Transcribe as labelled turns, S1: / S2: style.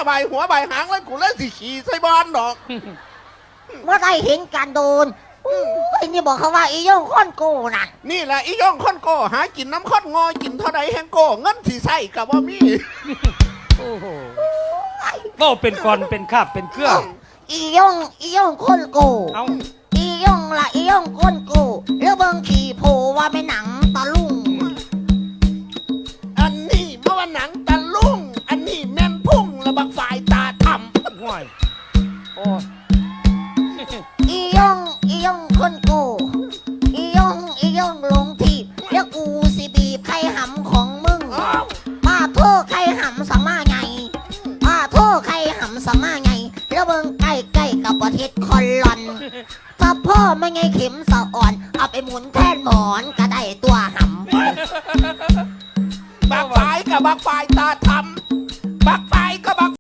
S1: ใบหัวใบหางแล้วกูเล่นสิขี่ใส่บอลดอก
S2: เมื่อได้เห็นการโดนไอ้นี่บอกเขาว่าอีโย่งค้อนโกนั่น
S1: นี่แหละอีย่องค้อนโกหากินน้ำค้อนงอกินเท่าใดแห้งโกเงินสิใส่กับว่ามี
S3: โอ้โหก็เป็นกรเป็นคาบเป็นเครื่อง
S2: อีโย่งค้อนโก
S3: เอา
S2: อีโย่งละอีโย่งค้อนโกแล้วเบิ่งขี่โผว่าเป็นหนังตะลุง
S1: อันนี้เมื่อวันหนังตะลุงอันนี้แม่นพุ่งระบักฝ่ายตาทำ
S3: ห่วยโอ้
S2: อีย่องคนโกอีย่องลงทีบแล้วกูสิบีบไข่หำของมึงป้าโทษไข่หำสมาไงป้าโทษไข่หำสมาไงแล้วเบิ่งใกล้กับประเทศคอนลอนถ้าพ่อไม่ไงเข็มสะอ่อนเอาไปหมุนแทนหมอนก็ได้ตัวหำ
S1: บักฝ่ายกับบักฝ่ายตาทำ